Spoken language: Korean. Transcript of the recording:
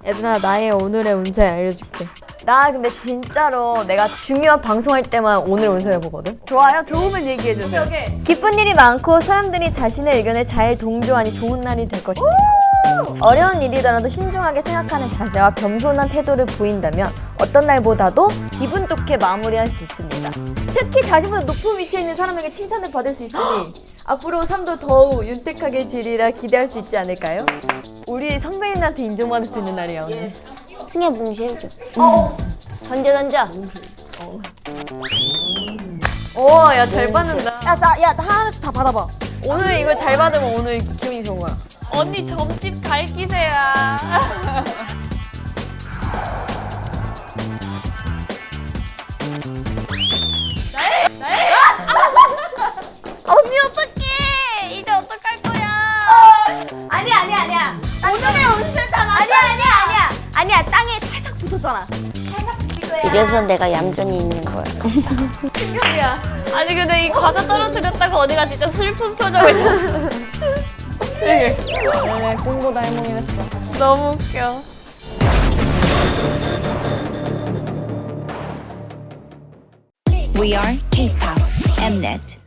얘들아, 나의 오늘의 운세 알려줄게. 나 근데 진짜로 내가 중요한 방송할 때만 오늘 운세를 보거든? 좋아요. 좋으면 얘기해주세요. 기쁜 일이 많고 사람들이 자신의 의견에 잘 동조하니 좋은 날이 될 것이다. 어려운 일이더라도 신중하게 생각하는 자세와 겸손한 태도를 보인다면 어떤 날보다도 기분 좋게 마무리할 수 있습니다. 특히 자신보다 높은 위치에 있는 사람에게 칭찬을 받을 수 있으니 앞으로 삶도 더욱 윤택하게 지리라 기대할 수 있지 않을까요? 우리 선배님한테 인정받을 수 있는 날이야 오늘. 승희야 뭉실해줘. 던져. 오, 야 잘 받는다. 야, 하나씩 다 받아봐. 오늘 이거 잘 받으면 오늘 기분이 좋은 거야. 언니 점집 갈 기세야. 언니 어떡해? 이제 어떡할 거야? 아니야. 오늘의 운세 다 아니야. 땅에 살짝 붙었잖아. 이래서 내가 얌전히 있는 거야. 아니 근데 이 과자 떨어뜨렸다고 언니가 진짜 슬픈 표정을 줬어. 원래 꿈보다 해몽이랬어. 너무 웃겨. We are K-pop Mnet.